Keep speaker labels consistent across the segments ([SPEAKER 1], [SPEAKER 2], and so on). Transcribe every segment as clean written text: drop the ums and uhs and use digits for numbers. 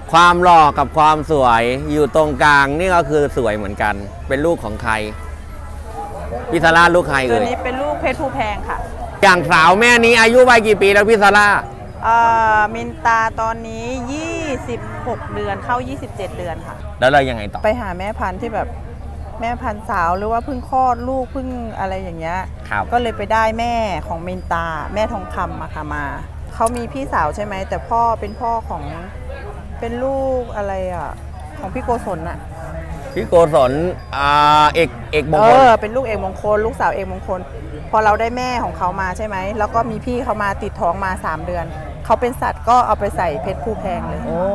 [SPEAKER 1] ความหล่อกับความสวยอยู่ตรงกลางนี่ก็คือสวยเหมือนกันเป็นลูกของใครพี่ซาร่าลูกใคร
[SPEAKER 2] ตัว
[SPEAKER 1] เอ่ย
[SPEAKER 2] นี้เป็นลูกเพชรภูแพงค่ะ
[SPEAKER 1] อย่างสาวแม่นี้อายุวัยกี่ปีแล้วพี่ซาร่า
[SPEAKER 2] มินตาตอนนี้ 26 เดือนเข้า 27 เดือนค่ะ
[SPEAKER 1] แล้วเรายังไงต่อ
[SPEAKER 2] ไปหาแม่พันธุ์ที่แบบแม่พันธุ์สาวหรือว่าเพิ่งคลอดลูกเพิ่งอะไรอย่างเงี้ย
[SPEAKER 1] ครับ
[SPEAKER 2] ก็เลยไปได้แม่ของมินตาแม่ทองคำอะค่ะมาเขามีพี่สาวใช่ไหมแต่พ่อเป็นพ่อของเป็นลูกอะไรอะของพี่โกศลอะ
[SPEAKER 1] พี่โกศลเอกมงคล
[SPEAKER 2] เป็นลูกเอกมงคลลูกสาวเอกมงคล พอเราได้แม่ของเขามาใช่ไหมแล้วก็มีพี่เขามาติดท้องมา3 เดือนเขาเป็นสัตว์ก็เอาไปใส่เพชรภูแพงเลย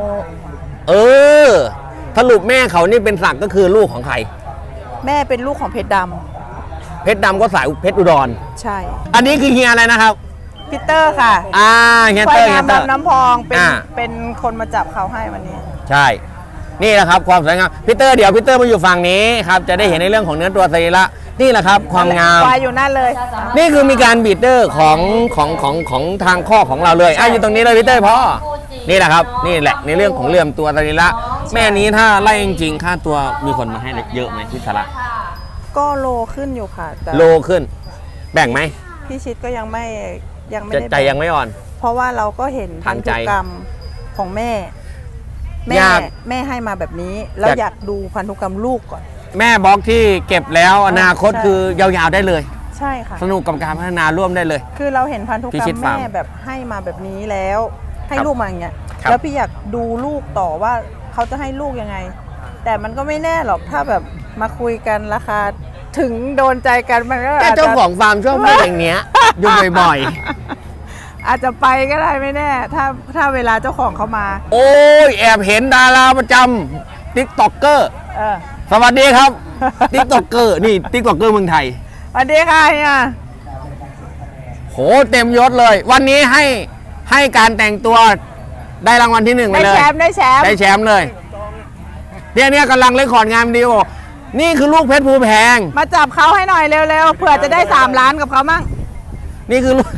[SPEAKER 1] สรุปแม่เขานี่เป็นสักก็คือลูกของใคร
[SPEAKER 2] แม่เป็นลูกของเพชรด
[SPEAKER 1] เพชรดำก็สายเพชรอุดร
[SPEAKER 2] ำใช่
[SPEAKER 1] อันนี้คือเฮียอะไรนะครับ
[SPEAKER 2] พีเตอร์ค่ะ
[SPEAKER 1] เฮีย
[SPEAKER 2] ควา
[SPEAKER 1] เต
[SPEAKER 2] ย
[SPEAKER 1] อร์เฮี
[SPEAKER 2] งาย ม
[SPEAKER 1] เตอร์
[SPEAKER 2] ดำน้ำพองเป็น
[SPEAKER 1] อ่า
[SPEAKER 2] เป็นคนมาจับเขาให้วันนี้
[SPEAKER 1] ใช่ นี่แหละครับความสวยงามพีเตอร์เดี๋ยวพีเตอร์มาอยู่ฝั่งนี้ครับจะได้เห็นในเรื่องของเนื้อตัวสรีระนี่แหละครับความงาม
[SPEAKER 2] ควายอยู่นั่นเลย
[SPEAKER 1] นี่คือมีการบีดเดอร์ของทางข้อของเราเลยอยู่ตรงนี้เลยพีเตอร์พ่อนี่แหละครับนี่แหละในเรื่องของเรื่องตัวสรีระแม่นี้ถ้าไล่จริงๆค่าตัวมีคนมาให้เยอะไหมพี่สาระ
[SPEAKER 2] ก็โลขึ้นอยู่ค่ะแต่
[SPEAKER 1] โลขึ้น แบ่งไหม
[SPEAKER 2] พี่ชิดก็ยังไม่
[SPEAKER 1] จะ
[SPEAKER 2] ได้
[SPEAKER 1] ใจยังไม่อ่อน
[SPEAKER 2] เพราะว่าเราก็เห็นพั
[SPEAKER 1] ทาน งใจ
[SPEAKER 2] ธุกรรมของแม่
[SPEAKER 1] อยาก
[SPEAKER 2] แม่ให้มาแบบนี้แล้ว
[SPEAKER 1] อยาก
[SPEAKER 2] อยากดูพันธุกรรมลูกก่อน
[SPEAKER 1] แม่บล็อกที่เก็บแล้วอนาคต
[SPEAKER 2] ใช่
[SPEAKER 1] คือยาวๆได้เลย
[SPEAKER 2] ใช่ค่ะ
[SPEAKER 1] สนุกกับการพัฒนาร่วมได้เลย
[SPEAKER 2] คือเราเห็นพันธุก
[SPEAKER 1] พิ
[SPEAKER 2] รร
[SPEAKER 1] ชิต
[SPEAKER 2] ม
[SPEAKER 1] ฟาร์ม
[SPEAKER 2] แม่แบบให้มาแบบนี้แล้ว ให้
[SPEAKER 1] ครับ
[SPEAKER 2] ลูกมาอย่างเงี้ย
[SPEAKER 1] ครับ
[SPEAKER 2] แล้วพี่อยากดูลูกต่อว่าเขาจะให้ลูกยังไง แต่มันก็ไม่แน่หรอกถ้าแบบมาคุยกันราคาถึงโดนใจกันมันก็
[SPEAKER 1] แต่
[SPEAKER 2] อาจ
[SPEAKER 1] เจ้า
[SPEAKER 2] จะ
[SPEAKER 1] ของฟาร์มชอบพูดอย่างเนี้ยอยู่บ่อย
[SPEAKER 2] อาจจะไปก็ได้ไม่แน่ ถ้าเวลาเจ้าของเขามา
[SPEAKER 1] ๆ โอ้ยแอบเห็นดาราประจำติ๊กต็อกเกอร์
[SPEAKER 2] เออ
[SPEAKER 1] สวัสดีครับ ติ๊กต็อกเกอร์นี่ติ๊กต็อกเกอร์เมืองไทย
[SPEAKER 2] สวัสดีค่ะเนี่ย
[SPEAKER 1] โหเต็มยศเลย วันนี้ให้การแต่งตัวได้รางวัลที่ 1ไป
[SPEAKER 2] ได้
[SPEAKER 1] เลย
[SPEAKER 2] แชมป์ได้แชมป์
[SPEAKER 1] ได้แชมป์เลยเนี่ยกำลังเล่นคอร์ดงานดีโอนี่คือลูกเพชรภูแพง
[SPEAKER 2] มาจับเขาให้หน่อยเร็วๆเผื่อจะได้3 ล้านกับเขามั่ง
[SPEAKER 1] นี่คือลูก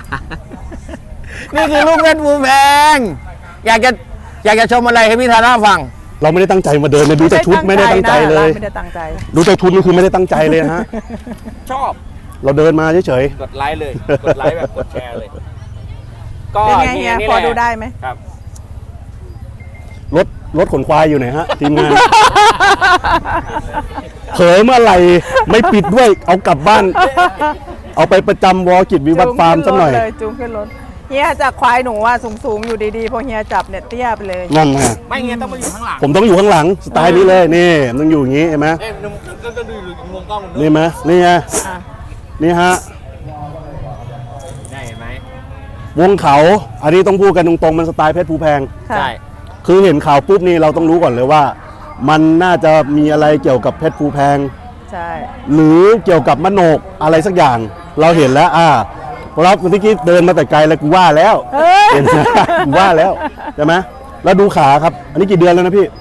[SPEAKER 1] นี่คือลูกเพชรภูแพงอยากจะชมอะไรให้พี่ธาราฟัง
[SPEAKER 3] เราไม่ได้ตั้งใจมาเดินเลยดูแต่ชุดไม่ได้ตั้งใจเลย
[SPEAKER 2] ไม่ได้ตั้งใจ
[SPEAKER 3] ดูแต่ชุดนี่คือไม่ได้ตั้งใจเลยฮะ
[SPEAKER 1] ชอบ
[SPEAKER 3] เราเดินมาเฉย
[SPEAKER 1] กดไลค์เลย กดไลค์แบบกดแชร์เลย ก็
[SPEAKER 2] เป็นไงเฮีย
[SPEAKER 1] นี่
[SPEAKER 2] พอ
[SPEAKER 1] แหละ
[SPEAKER 2] ดูได้ไหม
[SPEAKER 1] ครับ
[SPEAKER 3] รถขนควายอยู่ไหนฮะทีมงาน เผยเมื่อไหร่ไม่ปิดด้วยเอากลับบ้าน เอาไปประจำวอกิจวิวัฒน์ฟาร์มสักหน่อย
[SPEAKER 2] จูงขึ้นรถเฮียจากควายหนูอ่ะสูงๆอยู่ดีๆพอเฮียจับเนี่ยเตี้ยไปเลย
[SPEAKER 3] นั่นไง
[SPEAKER 1] ไม่เงี้ยต้องมาอยู่ข้างหลัง
[SPEAKER 3] ผมต้องอยู่ข้างหลังสไตล์นี้เลยนี่มันต้องอยู่อย่างนี้เห็นไหม
[SPEAKER 1] นุ่มก็ดูวงกล้อง
[SPEAKER 3] นี่ไหมนี่ไง
[SPEAKER 2] อ่ะ
[SPEAKER 3] นี่ฮะ
[SPEAKER 1] ได้เห็นไหม
[SPEAKER 3] วงเขาอันนี้ต้องพูดกันตรงๆมันสไตล์เพชรภูแพง
[SPEAKER 2] ค่ะ
[SPEAKER 1] ใช่
[SPEAKER 3] คือเห็นข่าวปุ๊บนี่เราต้องรู้ก่อนเลยว่า มันน่าจะมีอะไรเกี่ยวกับเพชรภูแพง
[SPEAKER 2] ใช่
[SPEAKER 3] หรือเกี่ยวกับมโนกอะไรสักอย่าง เราเห็นแล้วเพราะเราเมื่อกี้เดินมาแต่ไกลแล้วกูว่าแล้ว
[SPEAKER 2] เฮ้ย
[SPEAKER 3] เห็นไหมกูว่าแล้วใช่ไหมแล้วดูขาครับ อันนี้กี่เดือนแล้วนะพี่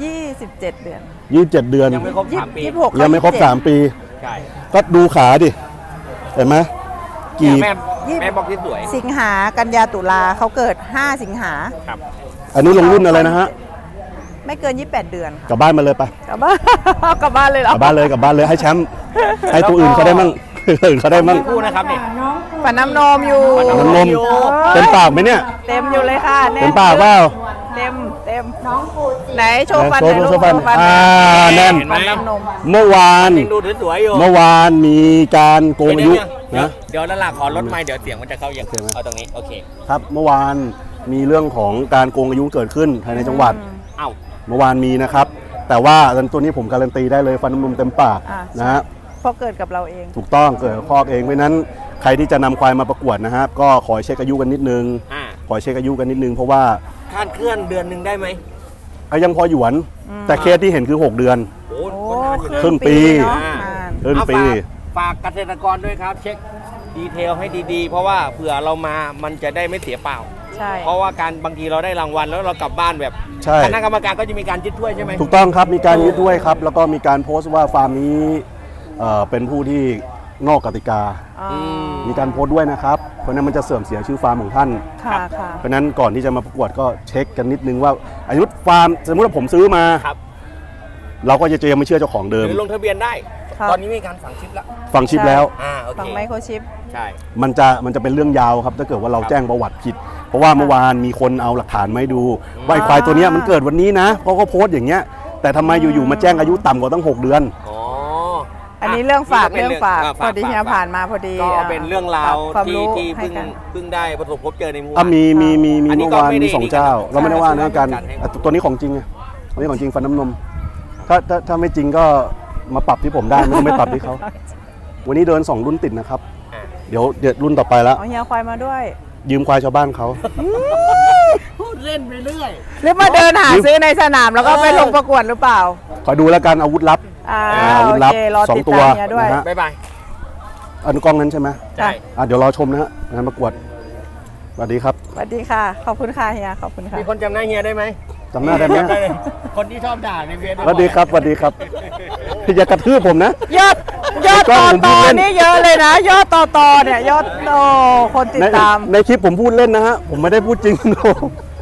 [SPEAKER 2] 27 เดือน
[SPEAKER 3] 27 เดือน
[SPEAKER 1] ยังไม่ครบ3 ปี
[SPEAKER 2] 26
[SPEAKER 3] ยังไม่ครบ3 ปี
[SPEAKER 1] ใช่
[SPEAKER 3] ก็ดูขาดิเห็นไหมกี่
[SPEAKER 1] แม่บอกที่สวย
[SPEAKER 2] สิงหากันยาตุลาเขาเกิด 5 สิงหา
[SPEAKER 1] ครับ
[SPEAKER 3] อันนี้ลงรุ่นอะไรนะฮะ
[SPEAKER 2] ไม่เกิน 28 เดือน
[SPEAKER 3] กลับบ้านมาเลยไป
[SPEAKER 2] กลับบ้าน กลับบ้านเลยเหร
[SPEAKER 3] ก
[SPEAKER 2] อ
[SPEAKER 3] ลับบ้านเลยกลับบ้านเลยให้แชมป์ให้ตัวอื่นเขาได้มั่ง ตัวอื่นเขาได้มั่ง
[SPEAKER 1] คู่นะครับนี่
[SPEAKER 2] ฝันน้ำนมอยู่
[SPEAKER 3] น้ำนมเต็มปากไหมเนี่ย
[SPEAKER 2] เต็มอยู่เลยค่ะแน่น
[SPEAKER 3] เต็มปากเปล่า
[SPEAKER 2] เต็มน้องฟูไหนโชว์ฟัน
[SPEAKER 3] โชว์
[SPEAKER 2] หน่อย
[SPEAKER 3] โช
[SPEAKER 2] ลูก
[SPEAKER 3] ว์ฟัน
[SPEAKER 2] โชว์ฟัน
[SPEAKER 3] แน่น
[SPEAKER 2] ฟันน้ำนม
[SPEAKER 3] เมื่อวาน
[SPEAKER 1] ยังดูสวยๆอยู่
[SPEAKER 3] เมื่อวานมีการโกงอายุนะ
[SPEAKER 1] เดี๋ยวนั่นล่ะขอลดไมค์เดี๋ยวเสียงมันจะเข้าอย่างเอาตรงนี้โอเค
[SPEAKER 3] ครับเมื่อวานมีเรื่องของการโกงอายุเกิดขึ้นภายในจังหวัด
[SPEAKER 1] เอ้า
[SPEAKER 3] เมื่อวานมีนะครับ แต่ว่าตัวนี้ผมการันตีได้เลยฟันน้ำนมเต็มปาก
[SPEAKER 2] อ่า
[SPEAKER 3] นะฮะ
[SPEAKER 2] เพราะเกิดกับเราเอง
[SPEAKER 3] ถูกต้องเกิดกับคอกเองเพราะฉะนั้นใครที่จะนำควายมาประกวดนะครับก็ขอเช็คอายุกันนิดนึง ขอเช็คอายุกันนิดนึงเพราะว่า
[SPEAKER 1] คาดเคลื่อนเดือนหนึ่งได้ไหม
[SPEAKER 3] ยังพอหยวน แต่เคสที่เห็นคือ 6 เดือน
[SPEAKER 1] โอ้
[SPEAKER 2] โอ้
[SPEAKER 1] ก็นานอยู่นะ
[SPEAKER 3] ครึ่งปี
[SPEAKER 2] เนาะ
[SPEAKER 1] อ่า
[SPEAKER 2] นาน
[SPEAKER 3] ครึ่งปี
[SPEAKER 1] ฝากเกษตรกรด้วยครับ เช็คดีเทลให้ดีๆ เพราะว่าเผื่อเรามามันจะได้ไม่เสียเปล่า
[SPEAKER 2] ใช่
[SPEAKER 1] เพราะว่าการบางทีเราได้รางวัลแล้วเรากลับบ้านแบบ
[SPEAKER 3] ใช่
[SPEAKER 1] คณะกรรมการก็จะมีการยึดถ้วยใช่ไหม
[SPEAKER 3] ถูกต้องครับมีการยึดด้วยครับ แล้วก็มีการโพสต์ว่าฟาร์มนี้เป็นผู้ที่นอกกติกา
[SPEAKER 2] อ๋อ
[SPEAKER 1] ม
[SPEAKER 3] มีการโพสต์ด้วยนะครับเพราะฉะนั้นมันจะเสื่อมเสียชื่อฟาร์มของท่าน
[SPEAKER 2] ค่ะค่ะ
[SPEAKER 3] เพราะฉะนั้นก่อนที่จะมาประกวดก็เช็คกันนิดนึงว่าอายุฟาร์มสมมติว่าผมซื้อมา
[SPEAKER 1] ครับ
[SPEAKER 3] เราก็จะยังไม่เชื่อเจ้าของเดิ
[SPEAKER 1] ห
[SPEAKER 3] ม
[SPEAKER 1] รือลงทะเบียนได้
[SPEAKER 2] ครับ
[SPEAKER 1] ตอนนี้มีการฝังชิปแล้ว
[SPEAKER 3] ฟังชิปแล้ว
[SPEAKER 1] โอเค
[SPEAKER 2] ฝั่งไมโครชิป
[SPEAKER 1] ใช่
[SPEAKER 3] มันจะเป็นเรื่องยาวครับถ้าเกิดว่าเรา
[SPEAKER 1] ครับ
[SPEAKER 3] แจ้งประวัติผิด เพราะว่าเมื่อวานมีคนเอาหลักฐานมาให้ดูว่าไอ้ควายตัวเนี้ยมันเกิดวันนี้นะเพราะเขาโพสต์อย่างเงี้ยแต่ทำไมอยู่ๆมาแจ้งอายุต่ำกว่าตั้ง 6 เดือน
[SPEAKER 1] อ๋อ
[SPEAKER 2] อันนี้เรื่องฝาก
[SPEAKER 1] นี่
[SPEAKER 2] เรื่องฝาก พอดีเฮียผ่านมาพอดี
[SPEAKER 1] ก็เป็นเรื่องราว
[SPEAKER 2] ความ
[SPEAKER 1] ที่
[SPEAKER 2] รู้
[SPEAKER 1] ที่
[SPEAKER 2] ให้กัน
[SPEAKER 1] เพิ่งได้ประสบพบเจอในหมู่
[SPEAKER 3] อ่ะมี
[SPEAKER 1] อันนี้
[SPEAKER 3] เมื่อวาน
[SPEAKER 1] ก็ไม่ได้
[SPEAKER 3] มี2 เจ้า เราไม่ได้ว่านะกัน
[SPEAKER 1] ไม่ได้ให้
[SPEAKER 3] อ่ะตัวนี้ของจริงไงตัวนี้ของจริงฟันน้ำนมถ้าไม่จริงก็มาปรับที่ผมได้ไม่ต้องไปปรับที่เขาวันนี้เดิน 2 รุ่นติดนะครับ
[SPEAKER 1] อ่ะ
[SPEAKER 3] เดี๋ยวรุ่นต่อไปแล้ว
[SPEAKER 2] เอาเฮียควายมาด้วย
[SPEAKER 3] ยืมควายชาวบ้านเขา
[SPEAKER 1] พูดเล่นไปเรื่อย
[SPEAKER 2] หรือมาเดินหาซื้อในสนามแล้วก็ไปลงประกวดหรือเปล่า
[SPEAKER 3] คอยดูแล้วกันอาวุธลับ
[SPEAKER 2] โอ
[SPEAKER 3] วุธลับ
[SPEAKER 2] เครอ
[SPEAKER 3] สอ
[SPEAKER 2] ติ
[SPEAKER 3] ง
[SPEAKER 2] ด
[SPEAKER 3] ตัว
[SPEAKER 2] ตามเฮียด้วย
[SPEAKER 3] นะฮะ
[SPEAKER 1] บ๊ายบาย
[SPEAKER 3] อันกล้องนั้นใช่ไหม
[SPEAKER 1] ใช่
[SPEAKER 3] เดี๋ยวรอชมนะฮะงานประกวดสวัสดีครับ
[SPEAKER 2] สวัสดีค่ะ ขอบคุณค่ะเฮียขอบคุณค่ะ
[SPEAKER 1] มีคนจำหน้าเฮียได้ไหม
[SPEAKER 3] จำหน้าได้ไหม
[SPEAKER 1] คนที่ชอบด่าในเวียน
[SPEAKER 3] สวัสดีครับสวัสดีครับอย่ากระทืบผมนะ
[SPEAKER 2] ยอด
[SPEAKER 3] กล้
[SPEAKER 2] ต่
[SPEAKER 3] อ
[SPEAKER 2] อง
[SPEAKER 3] ผมพู
[SPEAKER 2] ต่
[SPEAKER 3] ด
[SPEAKER 2] อ
[SPEAKER 3] เล่น
[SPEAKER 2] นี่เยอะเลยนะ ยอดต่อเนี่ยยอดคนติดตาม
[SPEAKER 3] ในคลิปผมพูดเล่นนะฮะผมไม่ได้พูดจริง โ